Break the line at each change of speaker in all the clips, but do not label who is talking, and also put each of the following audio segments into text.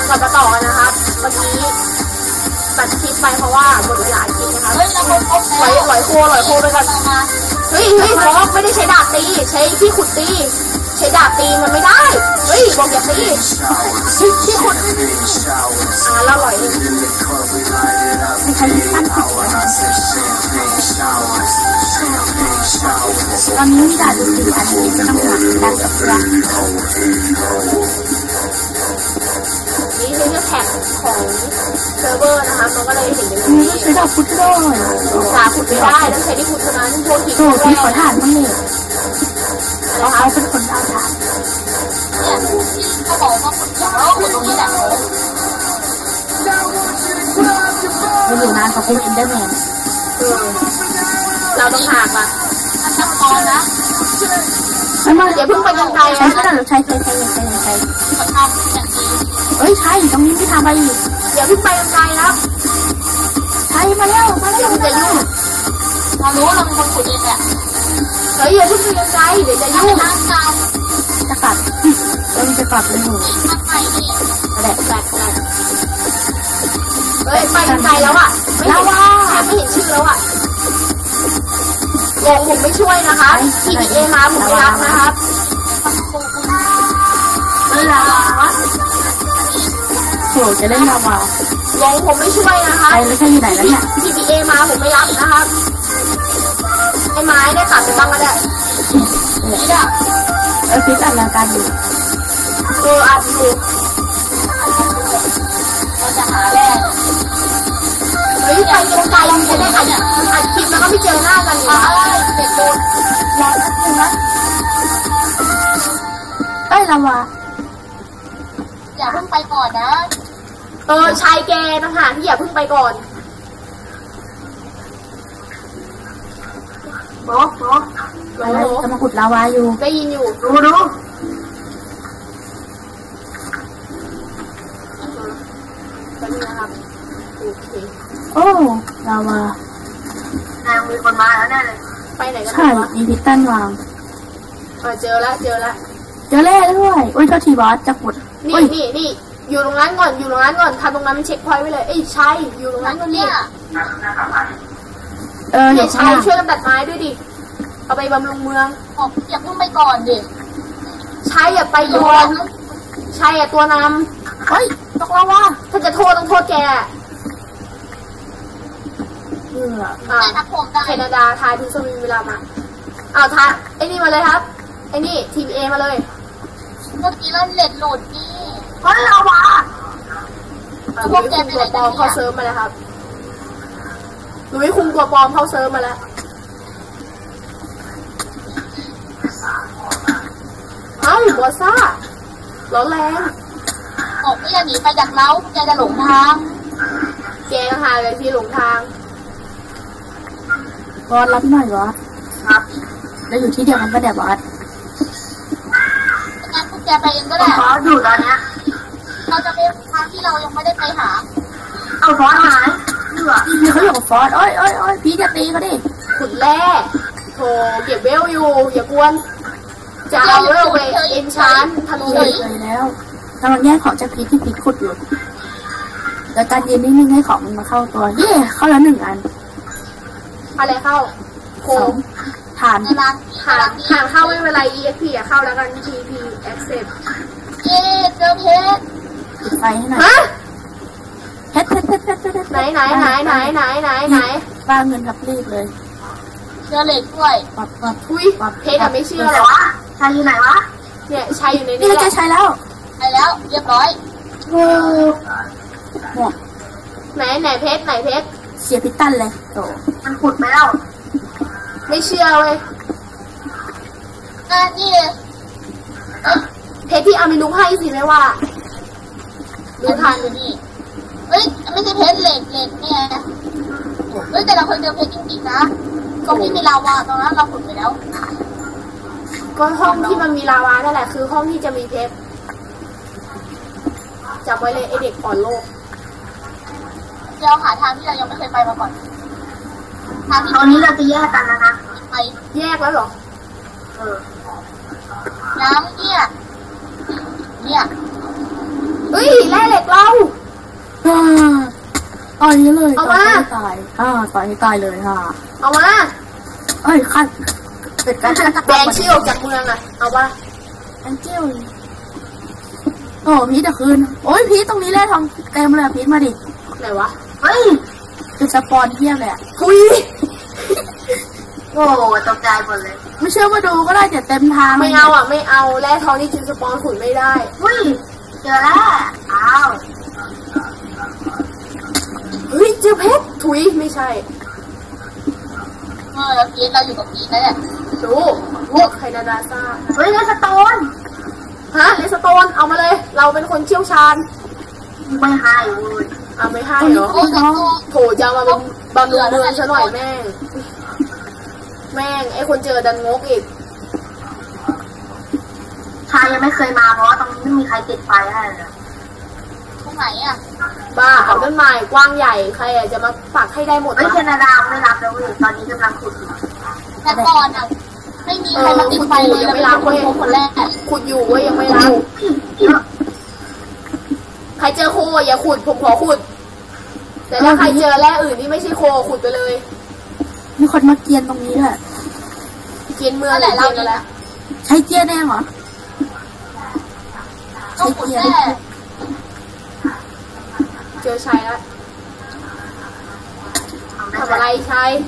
ก่อนจะต่อกันนะครับเมื่อกี้ตัดคลิปไปเพราะว่าหมดเวลาคลิปนะครับไหวโคไปก่อนเฮ้ยบอกไม่ได้ใช้ดาบตีใช้ที่ขุดตีใช้ดาบตีมันไม่ได้เฮ้ยบอกอย่าตีที่ขุดแล้วอร่อยไม่ใช่สั้นตอนนี้มีดาบตีอันนี้ไม่ต้องหลังดันกับเรือนี่คือแท็กของเซิร์ฟเวอร์นะคะมันก็เลยเห็นอย่างนี้ใช้ดาบขุดได้ดาบขุดไม่ได้ต้องใช้ที่ขุดเท่านั้นพวกหินที่ขอถ่านต้องเลยแล้วเขาเป็นคนเอาถ่านเนี่ยเขาบอกว่าขุดอย่างเราขุดตรงนี้แหละมันอยู่นานกว่าคุณอินเดอร์แมนเราต้องหากอ่ะทำตอนนะไม่เดี๋ยวเพิ่งไปยังไกลนะใช่เฮ้ยใช่ตรงนี้ที่ทำไปอีกเดี๋ยวเพิ่งไปยังไกลครับใช่มาแล้วมันจะยุ่งเรารู้เราเป็นคนขุดเองแหละเฮ้ยอย่าเพิ่งไปยังไกลเดี๋ยวจะยุ่งจะกลับเราจะกลับไปหนูแดดเฮ้ยไปยังไกลแล้วอ่ะแล้วว่าไม่เห็นชื่อแล้วอ่ะผมไม่ช่วยนะคะTBAมาผมไม่รับนะครับไม่รับโหจะเล่นลาวาผมไม่ช่วยนะคะไม่ใช่อยู่ไหนแล้วเนี่ยTBAมาผมไม่รับนะครับไอ้ไม้ได้ตัดไปบ้างก็ได้เนี่ยพิษอัดรายการอยู่อัดอยู่เราจะหาแร่เฮ้ยไปไกลๆจะได้อัดคลิปแล้วก็ไม่เจอหน้ากันอยู่เด็กโดนรอสักนึงนะลาวาอย่าเพิ่งไปก่อนนะชายแกนะฮะที่อย่าเพิ่งไปก่อนบอกจะมาขุดลาวาอยู่ได้ยินอยู่ดูแบบนี้นะครับโอเคโอ้ลาวามีคนมาแล้วแน่เลยไปไหนกันใช่มีพิตันวางเจอแล้วเจอแร่ด้วยโอ้ยเจ้าทีบอสจะขุดนี่อยู่ตรงนั้นก่อนทำตรงนั้นเป็นเช็คพอยต์ไว้เลยใช่อยู่ตรงนั้นก่อนเนี่ยใช่ช่วยกันตัดไม้ด้วยดิเอาไปบำรุงเมืองอย่าเพิ่งไปก่อนดิใช่อย่าไปก่อนใช่ตัวนำเฮ้ยตกลงว่าถ้าจะโทษต้องโทษแกแคนาดาทายพิซซ่ามีเวลามาทายไอ้นี่มาเลยครับไอ้นี่TBAมาเลยเมื่อกี้เราเล็ดหลุดนี่เพราะเราวะพวกแกเป็นตัวปลอมเข้าเซิร์ฟมาแล้วครับหนูให้คุมตัวปลอมเข้าเซิร์ฟมาแล้วบัวซ่าร้อนแรงบอกไม่อย่าหนีไปจากเราแกจะหลงทางแกหาเลยที่หลงทางบอสรับหน่อยวะครับแล้วอยู่ที่เดียวกันก็เดี๋ยวบอสงั้นพวกแกไปเองก็ได้บอสอยู่ตอนนี้เราจะไปทางที่เรายังไม่ได้ไปหาเอาฟอสหายนี่เขาอยู่กับฟอสโอ้ยพี่จะตีเขาดิขุดแร่โถเก็บเวลอยู่อย่ากวนจะเอาเวลไปเอ็นชานธนูเลยแล้วกำลังแย่งของจากพีที่พีขุดอยู่แล้วการยืนนิ่งๆให้ของมันมาเข้าตัวเข้าแล้ว1 อันอะไรเข้าโคมฐานเข้าไม่เป็นไร EXP เข้าแล้วกัน TP Accept เจอเพชรปิดไฟให้หน่อยเพชรไหนบ้าเงินกับรีบเลยเจอเหล็กด้วยอุ้ยเพชรไม่เชื่อหรอชายอยู่ไหนวะเนี่ยชายอยู่ในนี้จะใช้แล้วเรียบร้อยไหนเพชรเสียพิตันเลยโตมันขุดไปแล้วไม่เชื่อเว้ยนี่เพชรที่อามินุให้สิไม่ว่าดูทันนี่เฮ้ยไม่ใช่เพชรเหล็กเนี่ยเฮ้ยแต่เราเคยเจอเพชรจริงๆนะตรงที่มีลาวาตรงนั้นเราขุดไปแล้วก็ห้องที่มันมีลาวานั่นแหละคือห้องที่จะมีเพชรจำไว้เลยไอเด็กอ่อนโลกเราหาทางที่เรายังไม่เคยไปมาก่อนทางที่ตอนนี้เราจะแยกกันแล้วนะไปแยกแล้วเหรอน้ำเนี่ย
เฮ้ยแร่เหล็กเรา
ต่อยนี้เลยต่อยให้ตายต่อยให้ตายเลย
เอามา
เอ้ยขั้นเกิดการ
แบนชื่อออกจากเมืองอะเอาว่า
แองเจิลโอ้พีทจะคืนโอ้ยพีทตรงนี้แร่ทองเต็มเลยพีทมาดิ
ไหนวะเฮ้ย
คือสปอนเทียบเลย
คุยโอ้ตกใจหมดเลย
ไม่เชื่อมาดูก็ได้จะเต็มทาง
ไม่เอาอ่ะไม่เอาแร่ทองนี่กินสปอนขุนไม่ได้
อุ้ยเจอแล้วอ้าว
เฮ้ยเจอเพชรถุยไม่ใช่
แล้วพีทเราอยู่กับพีทนะเนี่ย
ดูพวกไคนาดาซ่า
เฮ้ยเลสโตน
ฮะเลสโตนเอามาเลยเราเป็นคนเชี่ยวชาญ
ไม่ให้เลย
ไม่ให้เหรอโถจะมาเป็นบำรุงเมืองซะหน่อยแม่งไอคนเจอดันงกอีก
ชายยังไม่เคยมาเพราะว่าตรงนี้ไม่มีใครติดไฟให้เลยตรงไหนอ่ะ
บ้าเอาต้นไม้กว้างใหญ่ใครจะมาปักให้ได้หมด
เฮ้ยแคนาดาไม่รับแล้วตอนนี้กำลังขุดอยู่แต่ก่อนอ่ะไม่มีใครมาติดไฟเลย
ยังไม่รับเว้ย
คนแรก
ขุดอยู่เว้ยยังไม่รับใครเจอโคอย่าขุดผมขอขุดแต่ถ้าใครเจอแร่อื่นที่ไม่ใช่โคขุดไปเลย
มีคนมาเกียนตรงนี้ด้วย
เกียนเมืองอะไรเกียนอะไร
ใช้เกียนแน่เหรอใช้เกียน
เจอชัยแล้วทำอะไรชัย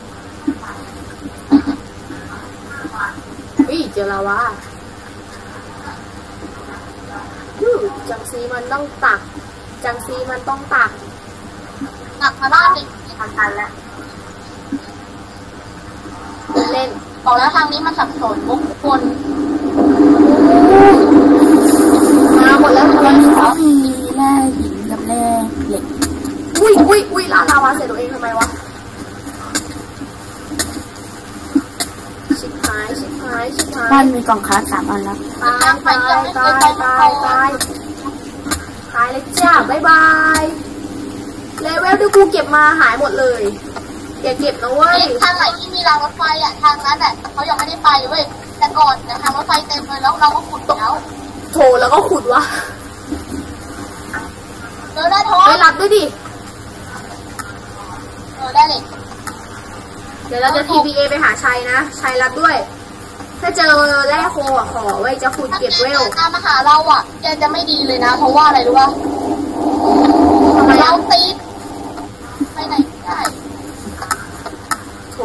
เจอลาวาจังซีมันต้องตัก
มาบ้านเลยทันแล้ว
เล่น
บอกแล้วทางนี้มันสับสนมุกคน
มาหมดแล้ว
ตอนนี้เขามีแร่หินกับแร่เหล็ก
อุ้ยลาวาเสร็จตัวเองทำไมวะชิบหาย
บ้านมีกล่องค้า3 อันแล้ว
ตายเลยจ้าบ๊ายบายเลเวลที่กูเก็บมาหายหมดเลยอย่าเก็บนะเว้ย
ทางไหนที่มีรางรถไฟอ่ะทางนั้นเขายังไม่ได้ไปเว้ยแต่ก่อนทางรถไฟเต็มเลยแล้วเราก็ขุดแล้ว
โถแล้วก็ขุดวะ
ได้ทอง
ไปรับด้วยดิ
ได้เลย
เดี๋ยวเราจะ TPA ไปหาชัยนะชัยรับด้วยถ้าเจอแร่โคขอไว้จะขุดเก็บเวล
ถ้ามาหาเราอ่ะจะไม่ดีเลยนะเพราะว่าอะไรรู้ป่ะเราติดไปไหนได้
โถ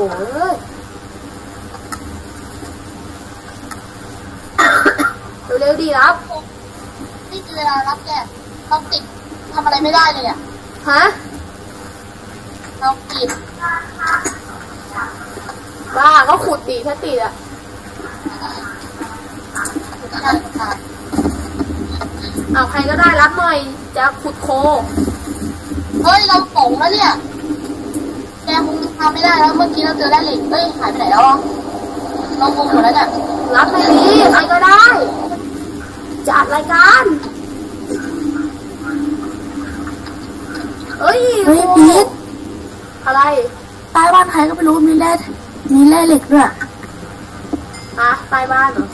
เร็วดีรับ
นี่คือเวลารับแกเราติดทำอะไรไม่ได้เลยอ่ะ
ฮะ
เราติด
บ้าก็ขุดดีถ้าติดอ่ะเอาใครก็ได้รับหน่อยจะขุดโค
เฮ้ยเราโป่งแล้วเนี่ยแกคงทำไม่ได้แล้วเมื่อกี้เราเจอแร่เหล็กเฮ้ยหายไปไหนแล้วเรางงหมดแล้วเนี่ย
รับไม่ดีใครก็ได้จัดรายการ
พีท
อะไร
ใต้บ้านใครก็ไม่รู้มีแร่เหล็กด้วย
ใต้บ้านเหรอ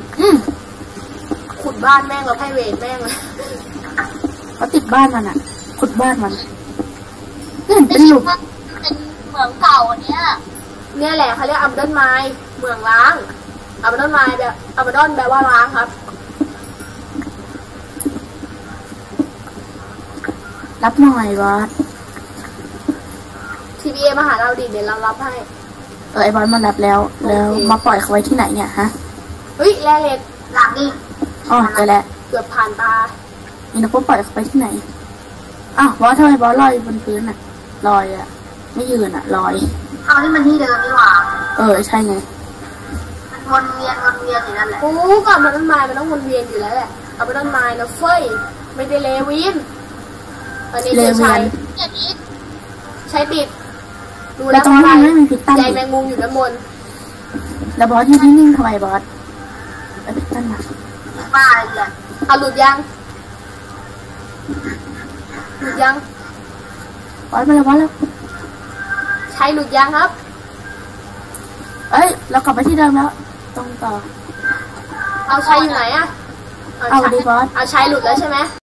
ขุดบ้านแม่งแล้วให้เวรแม่งเลย
เขาติดบ้านมันอ่ะขุดบ้านมันเป็นหลุมเป็นเหมืองเก่าอันเนี้ย
เนี่ยแหละเขาเรียกอัมดอนไมล์เมืองล้างอัมดอนไมล์แบบอัมดอนแปลว่าล้างครับ
รับหน่อยบอส
TPA มาหาเราดิเดี๋ยวเรารับให้
ไอบอสมันรับแล้วมาปล่อยเขาไว้ที่ไหนเนี่ยฮะ
เฮ้ยแร่เหล็ก
หลังนี่เจอแล้ว
เกือบผ่านตา
นี่นะพวกปล่อยเขาไปที่ไหนบอสทำไมบอสลอยบนพื้นอ่ะลอยอ่ะไม่ยืนอ่ะลอย
นี่มันที่เดิมนี่หว่า
ใช่ไง
มันวนเวียนอยู่นั่นแหละก่อนมันต้นไม้มันต้องวนเวียนอยู่แล้วแหละเอาไปต้นไม้นะเฟ้ยไม่ได้เลวินอันนี้ใช้ติดดูแล้ว
ตรงนี้ไม่มีพิษตั้น
ใจแมงมุมอยู่ด้านบน
แล้วบอสที่นิ่งๆทำไมบอสพิษตั้นมา
บ้าเลยเอาหลุดยัง
บอสมาแล้ว
ใช้หลุดยังครับ
เรากลับไปที่เดิมแล้วตรงต่อ
เอาใช้อยู่ไหนอะ
เอาดีบอส
เอาใช้หลุดแล้วใช่ไหม